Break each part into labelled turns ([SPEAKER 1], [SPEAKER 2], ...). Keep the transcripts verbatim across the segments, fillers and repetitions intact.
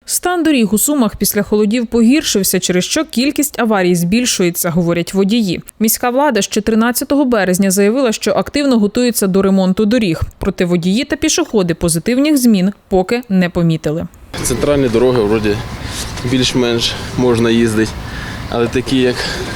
[SPEAKER 1] Стан доріг у Сумах після холодів погіршився, через що кількість аварій збільшується, говорять водії. Міська влада ще тринадцятого березня заявила, що активно готується до ремонту доріг. Проте водії та пішоходи позитивних змін поки не помітили.
[SPEAKER 2] Центральні дороги вроді більш-менш можна їздити, але такі як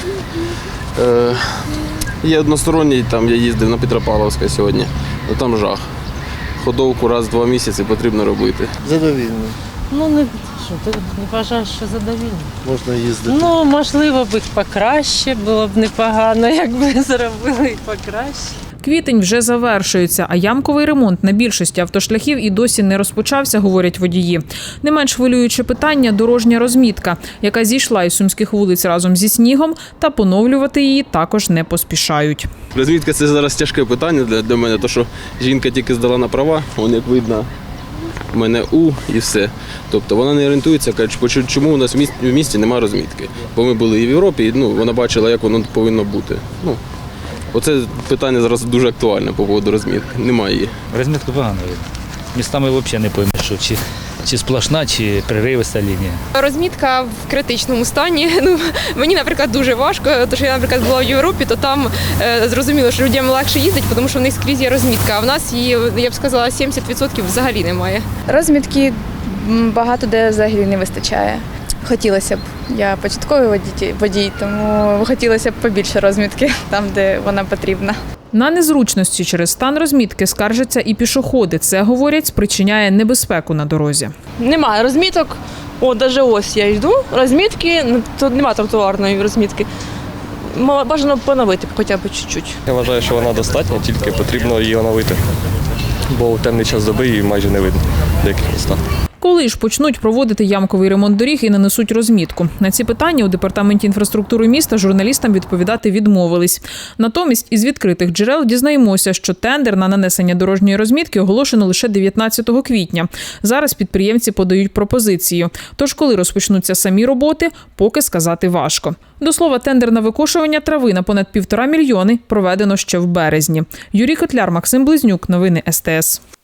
[SPEAKER 2] е, є односторонній, там я їздив на Петропавловська сьогодні, ну там жах. Ходовку раз в два місяці потрібно робити.
[SPEAKER 3] Задовільно.
[SPEAKER 4] Ну, не, що, ти не вважаєш, що задовільно?
[SPEAKER 3] Можна їздити.
[SPEAKER 4] Ну, можливо, б покраще, було б непогано, якби зробили і покраще.
[SPEAKER 1] Квітень вже завершується, а ямковий ремонт на більшості автошляхів і досі не розпочався, говорять водії. Не менш хвилююче питання – дорожня розмітка, яка зійшла із сумських вулиць разом зі снігом, та поновлювати її також не поспішають.
[SPEAKER 2] Розмітка – це зараз тяжке питання для, для мене, тому що жінка тільки здала на права, вон як видно, у мене У і все. Тобто вона не орієнтується, каже, чому у нас в місті, в місті немає розмітки. Бо ми були і в Європі, і ну, вона бачила, як воно повинно бути. Ну, оце питання зараз дуже актуальне по поводу розмітки. Немає її.
[SPEAKER 5] Розмітку погано видно. Містами взагалі не поймеш, що чи, чи сплошна, чи преривиста лінія.
[SPEAKER 6] Розмітка в критичному стані. Ну, мені, наприклад, дуже важко, тому що я, наприклад, була в Європі, то там е, зрозуміло, що людям легше їздити, тому що в них скрізь є розмітка, а в нас її, я б сказала, сімдесят відсотків взагалі немає.
[SPEAKER 7] Розмітки багато де взагалі не вистачає. Хотілося б, я початковий водій, водій, тому хотілося б побільше розмітки там, де вона потрібна.
[SPEAKER 1] На незручності через стан розмітки скаржаться і пішоходи. Це, говорять, спричиняє небезпеку на дорозі.
[SPEAKER 8] Немає розміток. О, навіть ось я йду, розмітки, тут немає тротуарної розмітки. Бажано поновити хоча б чуть-чуть.
[SPEAKER 9] Я вважаю, що вона достатня, тільки потрібно її оновити, бо у темний час доби її майже не видно в деяких містах.
[SPEAKER 1] Коли ж почнуть проводити ямковий ремонт доріг і нанесуть розмітку? На ці питання у департаменті інфраструктури міста журналістам відповідати відмовились. Натомість із відкритих джерел дізнаємося, що тендер на нанесення дорожньої розмітки оголошено лише дев'ятнадцятого квітня. Зараз підприємці подають пропозицію. Тож коли розпочнуться самі роботи, поки сказати важко. До слова, тендер на викошування трави на понад півтора мільйони проведено ще в березні. Юрій Котляр, Максим Близнюк. Новини ес те ес.